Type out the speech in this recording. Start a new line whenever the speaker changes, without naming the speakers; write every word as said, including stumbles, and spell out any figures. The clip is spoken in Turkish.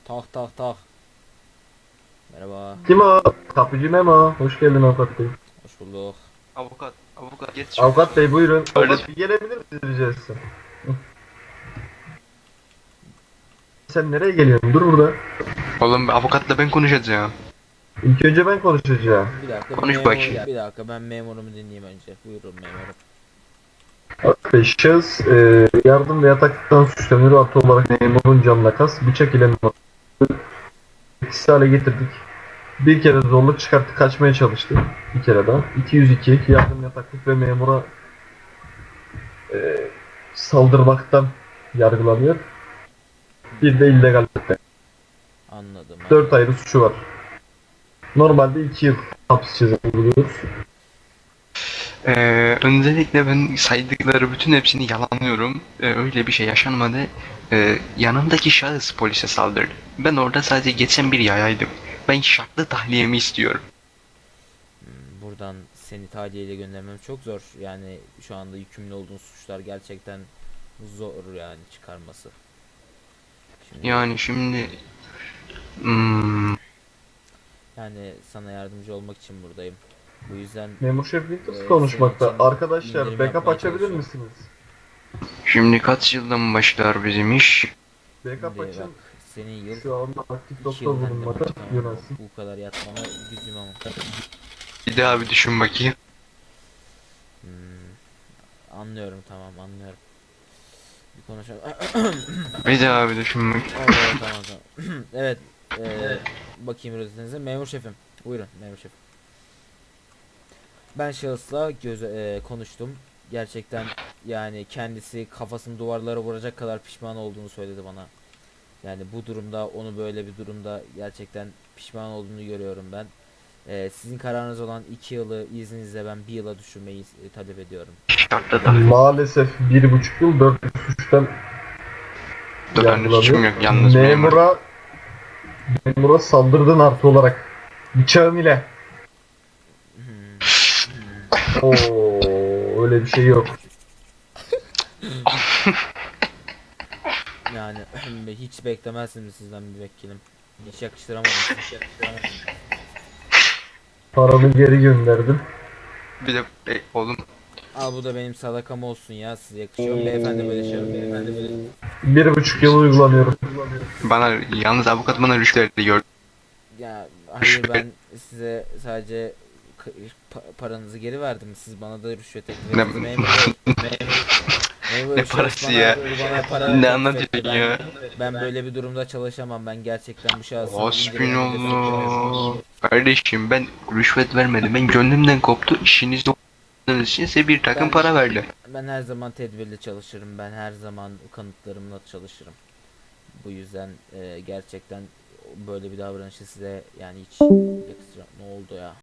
Tak tak tak. Merhaba.
Kim o? Kapıcı Memo. Hoş geldin avukat bey.
Hoş bulduk.
Avukat, avukat geç şöyle.
Avukat bey buyurun.
Öyle.
Avukat bir gelebilir misiniz rica etsem? Sen nereye geliyorsun? Dur burada.
Oğlum avukatla ben konuşacağım.
İlk önce ben konuşacağım.
Bir dakika bir
Konuş
memur,
bakayım.
bir dakika ben memurumu dinleyeyim önce. Buyurun memurum.
Avukat bey şahıs e, yardım ve yataktan suçlanıyor. Artı olarak memurun canına kas. Bıçak ile etkisiz hale getirdik. Bir kere zorluk çıkarttı. Kaçmaya çalıştı. Bir kere daha. iki yüz iki yardım yataklık ve memura e, saldırmaktan yargılanıyor. Bir de illegallikten.
Anladım.
Dört ayrı suçu var. Normalde iki yıl hapis cezası buluyoruz.
Ee, öncelikle ben saydıkları bütün hepsini yalanlıyorum. Ee, öyle bir şey yaşanmadı. Ee, yanımdaki şahıs polise saldırdı. Ben orada sadece geçen bir yayaydım. Ben şartlı tahliyemi istiyorum.
Hmm, Buradan seni tahliyeyle göndermem çok zor. Yani şu anda yükümlü olduğun suçlar gerçekten zor yani çıkarması. Şimdi
Yani şimdi... Hmm,
yani sana yardımcı olmak için buradayım. Bu yüzden
Memur Şef Winters
e, senin
konuşmakta.
için
Arkadaşlar
indirim
backup
yapmaya
açabilir
çalışıyorum.
misiniz?
şimdi kaç yıldan başlar bizim iş?
Backup
Şimdi
açın.
bak senin yıl
Şu anda aktif
iki
doktor
yıl hem de
bulunmada
muhtemelen
yönelsin.
bu kadar yatmana gücüm ama.
Bir daha bir düşün bakayım.
Hmm, Anlıyorum, tamam, anlıyorum. Bir konuşalım.
Bir daha bir düşün bakayım.
Oldu, tamam tamam. Evet, eee, bakayım rozetinize. Memur şefim. Buyurun memur şefim. Ben şahısla göz eee, konuştum. Gerçekten yani kendisi kafasını duvarlara vuracak kadar pişman olduğunu söyledi bana. Yani bu durumda, onu böyle bir durumda gerçekten pişman olduğunu görüyorum ben. Eee, sizin kararınız olan iki yılı izninizle ben bir yıla düşürmeyi e, talep ediyorum.
Şartlı tahliye.
Maalesef bir buçuk yıl dört suçtan
Dört tane suçum
yargılanıyor.
yok. Yalnız memur.
Memura, memura saldırdın artı olarak. Bıçağın ile. Oo, öyle bir şey yok.
Yani hiç beklemezsiniz sizden bir vekilim. Hiç yakıştıramadım. Hiç yakıştıramadım.
Paramı geri gönderdim.
Bir de e, oğlum
Al bu da benim sadakam olsun ya, size yakışıyor mu beyefendi böyle şey? Beyefendi böyle.
Bir buçuk yıl uygulanıyorum.
bana yalnız avukat bana rüşvet gördü.
Ya hayır, ben size sadece k- pa- paranızı geri verdim. Siz bana da rüşvet teklif
Ne,
ettiniz memur bey. Memur, memur
ne
bey, şahıs
parası
bana,
ya?
bana para
Ne
teklif
anlatıyorsun
etti. Ben,
ya?
ben böyle bir durumda çalışamam. Ben gerçekten bu şahsın indirimini de
Hasbinallah. Kardeşim ben rüşvet vermedim. Ben gönlümden koptu. İşinizde olduğunuz için size bir takım
Ben-
para verdi.
Ben her zaman tedbirli çalışırım. Ben her zaman kanıtlarımla çalışırım. Bu yüzden e, gerçekten böyle bir davranışı size yani hiç yakıştıra- ne oldu ya?